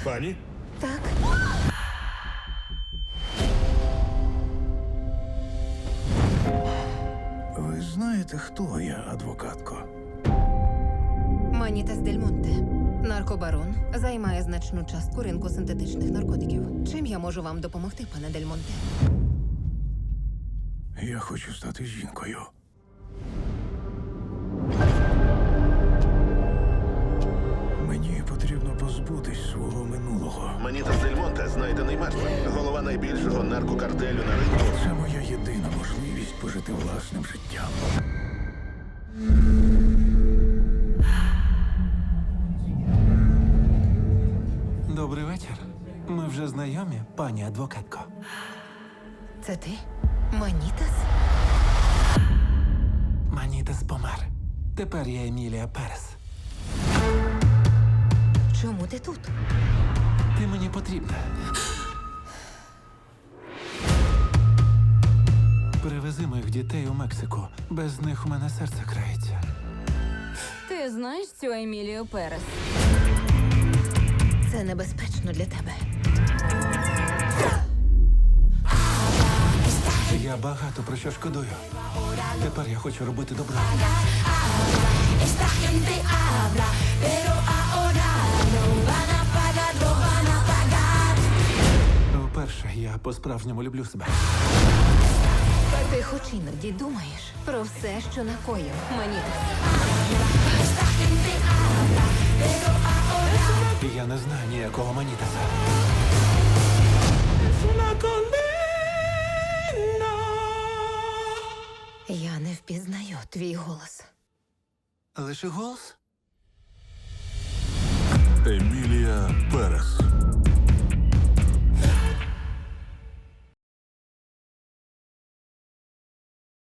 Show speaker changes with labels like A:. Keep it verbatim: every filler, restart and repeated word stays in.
A: Пані?
B: Так.
C: Ви знаєте, хто я, адвокатко?
B: Манітас Дель Монте. Наркобарон займає значну частку ринку синтетичних наркотиків. Чим я можу вам допомогти, пане Дель Монте?
C: Я хочу стати жінкою. Мені потрібно позбутись свого минулого.
A: Манітас Дель Монте знайдений мертвим. Голова найбільшого наркокартелю на ринку.
C: Це моя єдина можливість пожити власним життям.
D: Добрий вечір. Ми вже знайомі, пані адвокатко.
B: Це ти? Манітас?
D: Манітас помер. Тепер я Емілія Перес.
B: Чому ти тут?
D: Ти мені потрібна. Привези моїх дітей у Мексику. Без них у мене серце крається.
E: Ти знаєш цю Емілію Перес?
B: Це небезпечно для тебе.
D: Я багато про що шкодую. Тепер я хочу робити добро. Вперше я по-справжньому люблю себе.
B: Ти хоч іноді думаєш про все, що накоїв, Манітас.
D: Я не знаю ніякого Манітаса.
B: Я не впізнаю твій голос.
D: Лише голос?